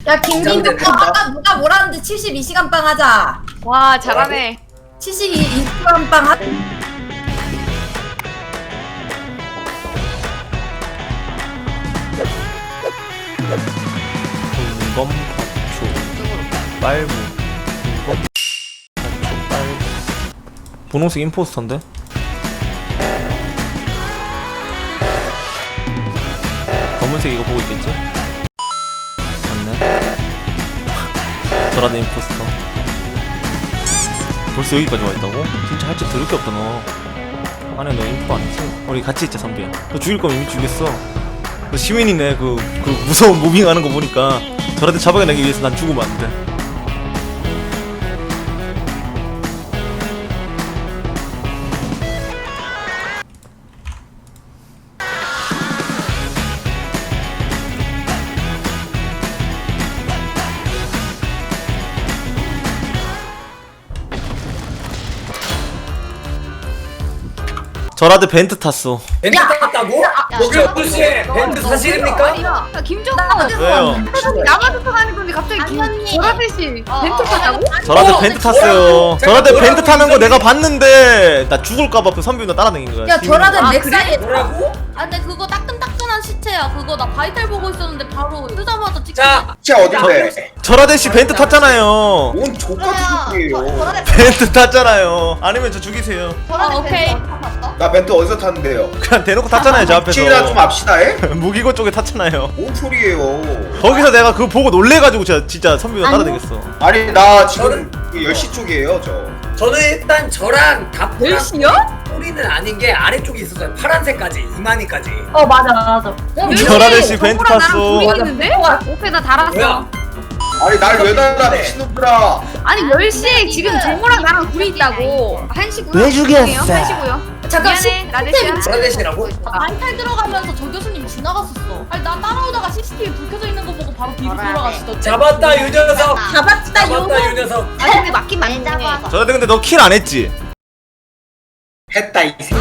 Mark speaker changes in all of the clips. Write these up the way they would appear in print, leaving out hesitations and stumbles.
Speaker 1: 야 김민규 아까 누가 뭐라는데 72시간 빵 하자.
Speaker 2: 와 잘하네.
Speaker 1: 72시간 빵 하.
Speaker 3: 공검 파초 빨무 공검 파초 빨무 분홍색 임포스터인데? 검은색 이거 보고 있겠지? 맞네. 저라도 임포스터. 벌써 여기까지 와있다고? 진짜 할 줄 더럽게 없다 너. 아니 너 인포 아니지? 우리 같이 있자 선비야. 너 죽일 거면 이미 죽였어. 너 시민이네. 그 무서운 무빙하는 거 보니까 저한테 잡아내기 위해서 난 죽으면 안 돼. 저라도 벤트 탔어.
Speaker 4: 벤트 탔다고? 여기 12시에 벤트 사실입니까?
Speaker 2: 야 김종우
Speaker 3: 왜요?
Speaker 2: 나가서 타는 건데 갑자기 보라색이 벤트 타자고?
Speaker 3: 저라도 벤트 탔어요. 저라도 벤트 타는 거 내가 봤는데 나 죽을까봐 그 선비 나 따라다닌 거야.
Speaker 1: 야 저라도 넥사이에.
Speaker 4: 뭐라고?
Speaker 5: 아 근데 그거 따끈따끈한 시체야. 그거 나 바이탈 보고 있었는데 바로 뜨자마자 찍힌
Speaker 4: 자,
Speaker 6: 진짜 어딘데?
Speaker 3: 저라도 씨 벤트 탔잖아요.
Speaker 6: 뭔 족같은 소리예요?
Speaker 3: 벤트 탔잖아요. 아니면 저 죽이세요.
Speaker 5: 오케이.
Speaker 6: 나 벤트 어디서 탔는데요?
Speaker 3: 그냥 대놓고 탔잖아요 저 앞에서.
Speaker 6: 혹시나 좀 합시다, 에?
Speaker 3: 무기고 쪽에 탔잖아요.
Speaker 6: 뭔 소리예요?
Speaker 3: 거기서 내가 그거 보고 놀래가지고 진짜 선비가 따라다녔어.
Speaker 6: 아니 나 지금 10시 쪽이에요, 저.
Speaker 4: 저는 일단 저랑 다프랑
Speaker 2: 10시요?
Speaker 4: 꼬리는 아닌 게 아래쪽에 있었어요. 파란색까지, 이만희까지.
Speaker 1: 맞아.
Speaker 3: 저라도 씨 벤트 탔어.
Speaker 2: 둘이 있는데? 오케이 나 달았어.
Speaker 4: 뭐야?
Speaker 6: 아니 날 왜 달라 미친놈들아.
Speaker 2: 아니 10시에 지금 정우랑 나랑 둘이 있다고. 1시고요.
Speaker 3: 왜 죽였어?
Speaker 2: 1시고요.
Speaker 1: 잠깐
Speaker 2: 미안해 라데시야.
Speaker 4: 보라데시라고?
Speaker 5: 바이탈 들어가면서 저 교수님 지나갔었어. 아니 나 따라오다가 CCTV 불 켜져 있는 거 보고 바로 뒤로 돌아가시던데.
Speaker 4: 잡았다, 이 녀석!
Speaker 1: 잡았다
Speaker 4: 잡았다, 이 녀석!
Speaker 2: 아니 근데 맞긴 맞네.
Speaker 3: 저라도 근데 너 킬 안 했지?
Speaker 6: 했다 이 새끼.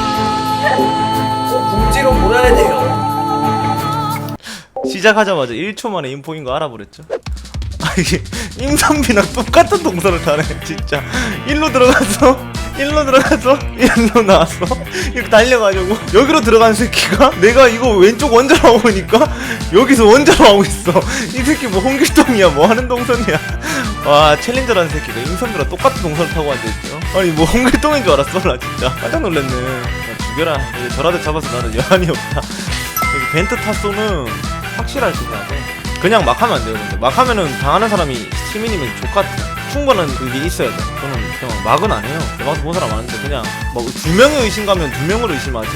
Speaker 4: 궁지로 몰아야 돼요.
Speaker 3: 시작하자마자 1초 만에 인포인 거 알아버렸죠? 아 이게 임선비랑 똑같은 동선을 타네 진짜. 일로 들어가서 일로 나왔어. 이렇게 달려가지고 여기로 들어간 새끼가 내가 이거 왼쪽 원자로 하고 있니까 여기서 원자로 하고 있어. 이 새끼 뭐 홍길동이야 뭐 하는 동선이야. 와 챌린저라는 새끼가 임선비랑 똑같은 동선을 타고 앉아있죠. 아니 뭐 홍길동인 줄 알았어 나 진짜 깜짝 놀랐네. 야, 죽여라. 이제 저라도 잡아서 나는 여한이 없다. 여기 벤트 타소는 확실할 수 있어야 돼. 그냥 막 하면 안 돼요. 근데 막 하면은 당하는 사람이 시민이면 족같아. 충분한 그게 있어야 돼. 저는 그냥 막은 안 해요. 막도 본 사람 많은데 그냥 뭐 2명의 의심 가면 2명으로 의심하지.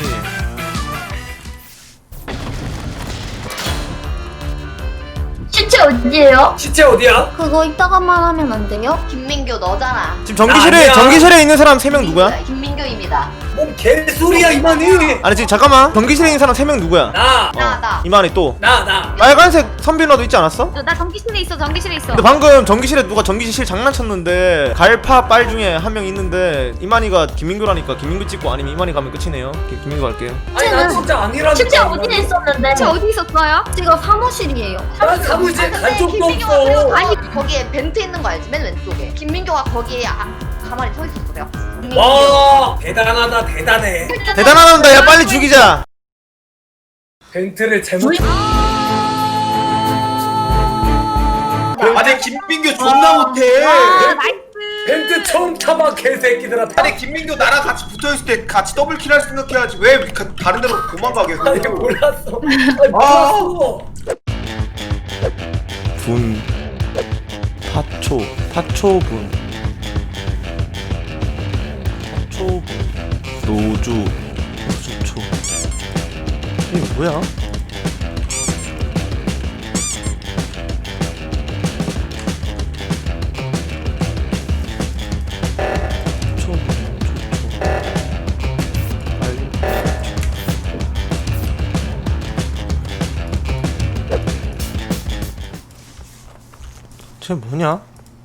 Speaker 1: 시체 어디에요?
Speaker 4: 시체 어디야?
Speaker 5: 그거 이따가만 하면 안 돼요?
Speaker 7: 김민규 너잖아.
Speaker 3: 지금 전기실에
Speaker 4: 아니야.
Speaker 3: 전기실에 있는 사람 3명 누구야?
Speaker 7: 김민규입니다.
Speaker 4: 뭔 개소리야, 이만희!
Speaker 3: 아니 지금 잠깐만. 전기실에 있는 사람 3명 누구야?
Speaker 4: 나!
Speaker 7: 나.
Speaker 3: 이만희 또
Speaker 4: 나!
Speaker 3: 빨간색 선비누나도 있지 않았어?
Speaker 2: 나 전기실에 있어. 전기실에 있어.
Speaker 3: 근데 방금 전기실에 누가 전기실 장난쳤는데 갈파 빨 중에 한 명 있는데 이만희가 김민규라니까 김민규 찍고 아니면 이만희 가면 끝이네요. 김민규 갈게요.
Speaker 4: 아니, 나 진짜 아니라니까.
Speaker 1: 시체 어디에 있었는데?
Speaker 2: 대체 어디 있었어요?
Speaker 5: 지금 사무실이에요.
Speaker 4: 난 사무실 간 적도
Speaker 7: 김민규가
Speaker 4: 없어.
Speaker 7: 아니 거기에 벤트 있는 거 알지? 맨 왼쪽에. 김민규가 거기에 가만히 서 있었어요.
Speaker 4: 와, 대단하다, 대단해.
Speaker 3: 대단하다. 야 빨리 죽이자.
Speaker 4: 벤트를 잘못.
Speaker 6: 아니 김민규 존나 못해.
Speaker 2: 나이스.
Speaker 4: 벤트 처음 타봐, 개새끼들아.
Speaker 6: 아니 김민규 나랑 같이 붙어있을 때 같이 더블킬 할 생각해야지. 왜 다른 데로 도망가게 해?
Speaker 4: 아니, 몰랐어. 아니, 몰랐어.
Speaker 3: 분 파초분 노주초 이게 뭐야? 쟤 뭐냐?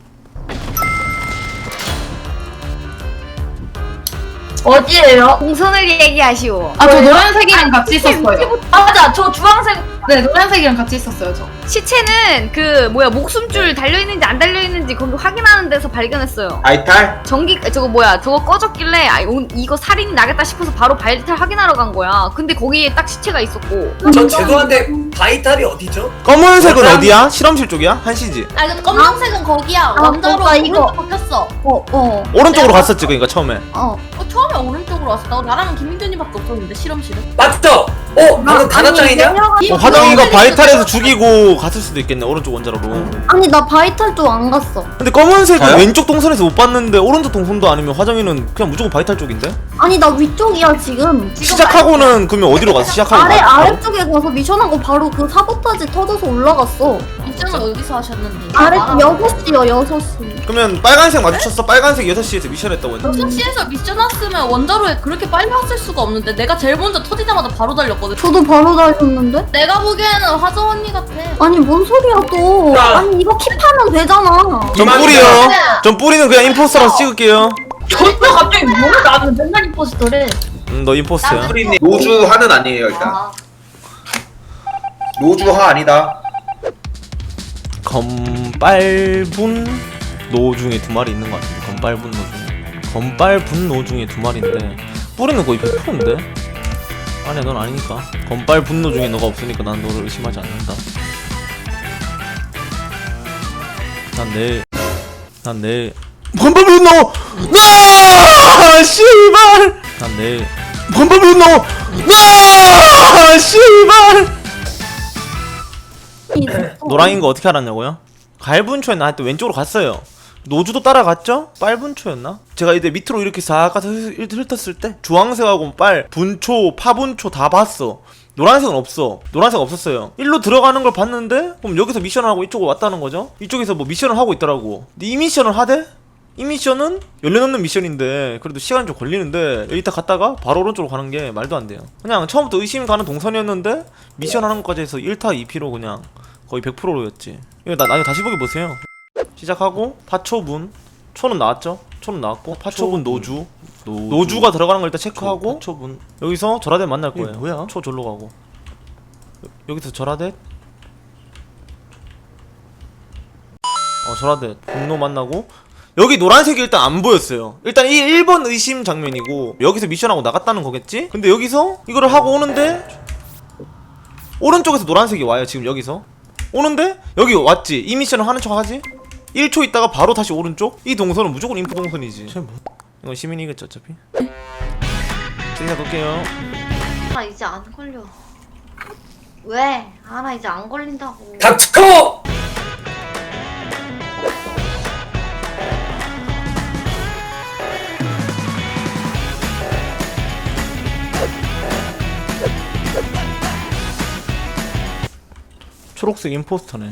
Speaker 1: 어디에요?
Speaker 2: 동선을 얘기하시오.
Speaker 8: 아, 저 노란색이랑 같이 있었어요.
Speaker 1: 맞아, 저 주황색.
Speaker 8: 네, 노란색이랑 같이 있었어요, 저.
Speaker 2: 시체는 그 뭐야 목숨줄 달려있는지 안 달려있는지 거기 확인하는 데서 발견했어요.
Speaker 6: 바이탈?
Speaker 2: 전기 저거 뭐야 저거 꺼졌길래 이거 살인이 나겠다 싶어서 바로 바이탈 확인하러 간 거야. 근데 거기에 딱 시체가 있었고.
Speaker 4: 저 죄송한데 바이탈이 어디죠?
Speaker 3: 검은색은
Speaker 4: 그럼-
Speaker 3: 어디야? 실험실 쪽이야? 한시지?
Speaker 5: 아니 근데 검정색은 거기야. 원자로
Speaker 1: 뭔가 이거.
Speaker 5: 오른쪽 바뀌었어.
Speaker 3: 오른쪽으로 갔었지 그러니까 처음에.
Speaker 5: 처음에 오른쪽으로 왔어. 나랑 김민규님밖에 없었는데 실험실에.
Speaker 4: 맞죠? 방금 단합장이냐?
Speaker 3: 화정이가 바이탈에서 죽이고 갔을 수도 있겠네 오른쪽 원자로로.
Speaker 1: 아니 나 바이탈 쪽 안 갔어.
Speaker 3: 근데 검은색은
Speaker 6: 저요?
Speaker 3: 왼쪽 동선에서 못 봤는데 오른쪽 동선도 아니면 화정이는 그냥 무조건 바이탈 쪽인데?
Speaker 1: 아니 나 위쪽이야 지금.
Speaker 3: 시작하고는 그러면 어디로 갔어? 시작하고
Speaker 1: 아래
Speaker 3: 바로?
Speaker 1: 아래쪽에 가서 미션하고 바로 그 사보타지 터져서 올라갔어.
Speaker 5: 미션을 어디서 하셨는데?
Speaker 1: 아래 6시요 6시.
Speaker 3: 그러면 빨간색 마주쳤어? 빨간색 6시에서 미션 했다고 했는데
Speaker 5: 6시에서 미션 왔으면 원자로에 그렇게 빨리 왔을 수가 없는데 내가 제일 먼저 터지자마자 바로 달렸거든.
Speaker 1: 저도 바로 달렸는데?
Speaker 5: 내가 보기에는 화정 언니 같아.
Speaker 1: 아니 뭔 소리야 또.
Speaker 4: 야.
Speaker 1: 아니 이거 킵하면 되잖아.
Speaker 3: 전 뿌리요. 전 뿌리는 그냥 임포스터라서 찍을게요.
Speaker 5: 저도 갑자기 뭐 나는 맨날 임포스터래.
Speaker 3: 너 임포스터야.
Speaker 6: 프리님 노주하는 아니에요 일단. 노주하 아니다.
Speaker 3: 검빨분 노 중에 2마리 있는 것 같은데 검빨분 노 중에 검빨분 노 중에 2마리인데 뿌리는 거의 100%인데? 아니야 넌 아니니까 검빨분 노 중에 너가 없으니까 난 너를 의심하지 않는다. 난 내일 검빨분 노! 나! 씨발! 난 내일 검빨분 노! 나! 씨발! 노랑인 거 어떻게 알았냐고요? 갈분초였나? 하여튼 왼쪽으로 갔어요. 노주도 따라갔죠? 빨분초였나? 제가 이제 밑으로 이렇게 싹 가서 훑었을 때 주황색하고 빨, 분초, 파분초 다 봤어. 노란색은 없어. 노란색 없었어요. 일로 들어가는 걸 봤는데 그럼 여기서 미션을 하고 이쪽으로 왔다는 거죠? 이쪽에서 뭐 미션을 하고 있더라고. 근데 이 미션을 하대? 이 미션은 열려놓는 미션인데 그래도 시간이 좀 걸리는데 여기 딱 갔다가 바로 오른쪽으로 가는 게 말도 안 돼요. 그냥 처음부터 의심 가는 동선이었는데 미션 하는 것까지 해서 1타 2피로 그냥 거의 100%였지. 이거 나중에 다시 보기 보세요. 시작하고 파초분 초는 나왔죠? 초는 나왔고 파초분 노주 노주가 들어가는 걸 일단 체크하고 파초분 여기서 절하대 만날 거예요. 뭐야? 초 절로 가고 여기서 절하대 절하대 분노 만나고 여기 노란색이 일단 안 보였어요. 일단 1번 의심 장면이고 여기서 미션하고 나갔다는 거겠지? 근데 여기서 이거를 하고 오는데 오른쪽에서 노란색이 와요. 지금 여기서 오는데 여기 왔지? 이 미션을 하는 척 하지? 1초 있다가 바로 다시 오른쪽? 이 동선은 무조건 인프 동선이지. 이건 시민이겠죠 어차피. 제가 볼게요.
Speaker 7: 나 이제 안 걸려. 왜? 나 이제 안 걸린다고.
Speaker 4: 닥쳐!
Speaker 3: 초록색 임포스터네.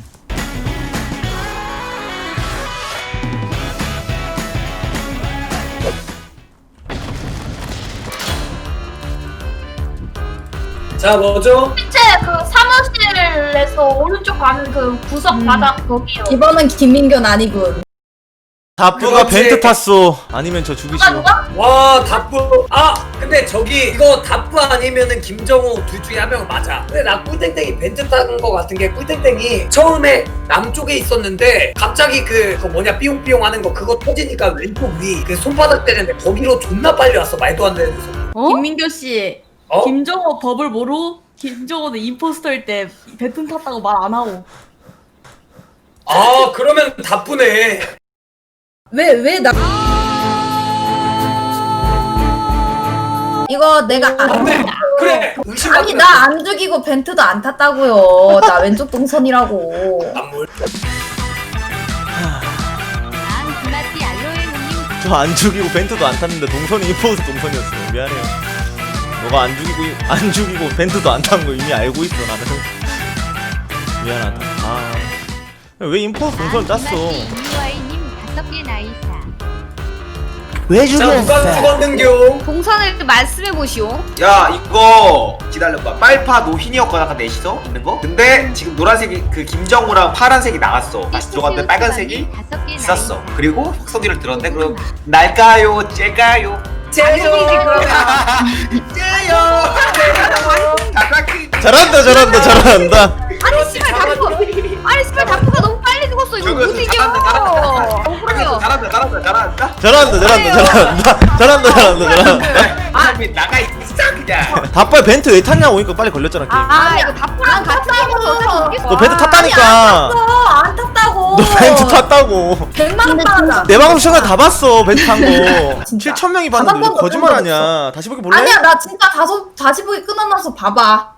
Speaker 4: 자 뭐죠?
Speaker 5: 실제 그 사무실에서 오른쪽 가는 그 구석 바닥 거기요.
Speaker 1: 이번은 김민규는 아니군.
Speaker 3: 다뿌가
Speaker 4: 그렇지.
Speaker 3: 벤트 탔어. 아니면 저 죽이시오.
Speaker 4: 와 다뿌 근데 저기 이거 다뿌 아니면은 김정호 둘 중에 한 명은 맞아. 근데 나 꿀땡땡이 벤트 탄 거 같은 게 꿀땡땡이 처음에 남쪽에 있었는데 갑자기 그거 뭐냐 삐용삐용 하는 거 그거 터지니까 왼쪽 위 그 손바닥 때리는데 거기로 존나 빨리 왔어. 말도 안 되는 데서.
Speaker 5: 김민규 씨,
Speaker 4: 어?
Speaker 5: 김정호 법을 모르고 김정호는 임포스터일 때 배튼 탔다고 말 안 하고.
Speaker 4: 그러면 다뿌네.
Speaker 1: 왜 나? 이거 내가
Speaker 4: 안돼. 그래.
Speaker 1: 아니 나 안 죽이고 벤트도 안 탔다고요. 나 왼쪽 동선이라고.
Speaker 4: 안물.
Speaker 3: 저 안 죽이고 벤트도 안 탔는데 동선이 임포스터 동선이었어요. 미안해요. 너가 안 죽이고 벤트도 안 탄 거 이미 알고 있어 나는. 미안하다. 왜 임포스터 동선을 짰어? 왜
Speaker 4: 자 누가 죽었는겨?
Speaker 2: 동선을 말씀해 보시오.
Speaker 6: 야 이거 기다려봐. 빨파 노흰이었거나 아까 넷이서 있는 거? 근데 지금 노란색이 그 김정우랑 파란색이 나갔어. 다시 들어갔는데 빨간색이 있었어. 그리고 확성기를 들었는데 그럼 날까요? 째까요?
Speaker 4: 째요.
Speaker 6: 째요.
Speaker 3: 잘한다.
Speaker 2: 아니 씨발 다프 아니 씨발 다프가 너무 빨리 죽었어 이거 못 이겨 억울해요
Speaker 6: 잘한다.
Speaker 3: 잘한다.
Speaker 6: 임선빈 나가 있어 그냥.
Speaker 3: 다빨 벤트 왜 탔냐고 오니까 빨리 걸렸잖아 게임.
Speaker 2: 아 이거 다프랑 같이 죽었어
Speaker 3: 너 벤트 탔다니까.
Speaker 1: 안 탔다고.
Speaker 3: 너 벤트 탔다고.
Speaker 1: 100만 원 받았다.
Speaker 3: 내 방송 시간 다 봤어 벤트 탄 거.
Speaker 1: 진짜.
Speaker 3: 7,000명이
Speaker 1: 다
Speaker 3: 봤는데
Speaker 1: 봤던 거
Speaker 3: 거짓말
Speaker 1: 본
Speaker 3: 아니야. 다시 보기 볼래?
Speaker 1: 아니야 나 진짜 다시 보기 끊어놔서 봐봐.